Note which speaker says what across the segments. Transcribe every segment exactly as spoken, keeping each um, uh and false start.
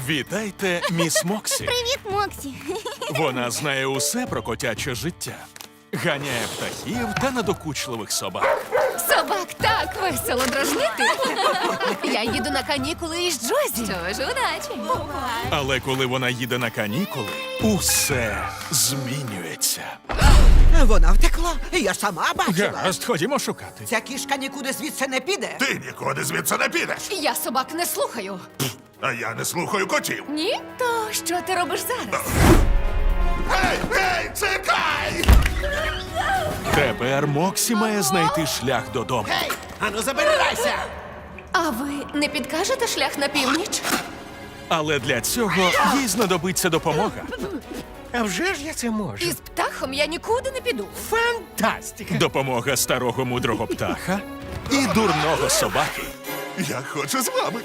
Speaker 1: Вітайте, міс Моксі.
Speaker 2: Привіт, Моксі.
Speaker 1: Вона знає усе про котяче життя. Ганяє птахів та надокучливих собак.
Speaker 3: Собак так весело дражнити. Я їду на канікули із Джозі. Що ж, удачі.
Speaker 1: Але коли вона їде на канікули, усе змінюється.
Speaker 4: Вона втекла, я сама бачила.
Speaker 1: Гаразд, ходімо шукати.
Speaker 4: Ця кішка нікуди звідси не піде.
Speaker 5: Ти нікуди звідси не підеш.
Speaker 3: Я собак не слухаю.
Speaker 5: А я не слухаю котів.
Speaker 3: Ні? То що ти робиш зараз?
Speaker 5: Гей, гей, чекай!
Speaker 1: Тепер Моксі має знайти шлях додому.
Speaker 4: Гей, ану забирайся!
Speaker 3: А ви не підкажете шлях на північ?
Speaker 1: Але для цього їй знадобиться допомога.
Speaker 6: А вже ж я це можу.
Speaker 3: Із птахом я нікуди не піду.
Speaker 6: Фантастика!
Speaker 1: Допомога старого мудрого птаха і дурного собаки.
Speaker 5: Я хочу з вами.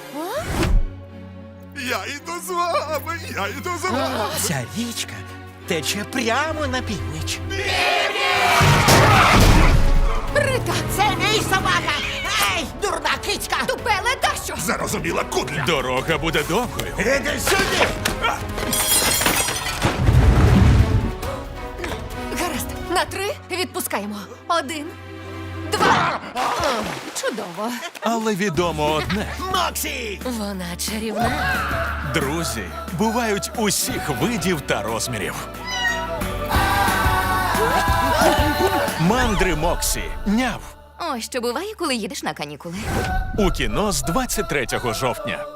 Speaker 5: Я йду з вами, я йду з вами.
Speaker 6: Ця річка тече прямо на північ.
Speaker 3: Рита,
Speaker 4: Це мій собака! Ей, дурна кицька!
Speaker 3: тупеле дащо?
Speaker 5: Зарозуміла кудля.
Speaker 1: Дорога буде довгою.
Speaker 5: Іди сюди!
Speaker 3: Гаразд, на три відпускаємо. Один, два. О, чудово.
Speaker 1: Але відомо одне.
Speaker 6: Моксі!
Speaker 3: Вона чарівна.
Speaker 1: Друзі бувають усіх видів та розмірів. Мандри Моксі. Няв.
Speaker 3: Ось що буває, коли їдеш на канікули.
Speaker 1: У кіно з двадцять третього жовтня.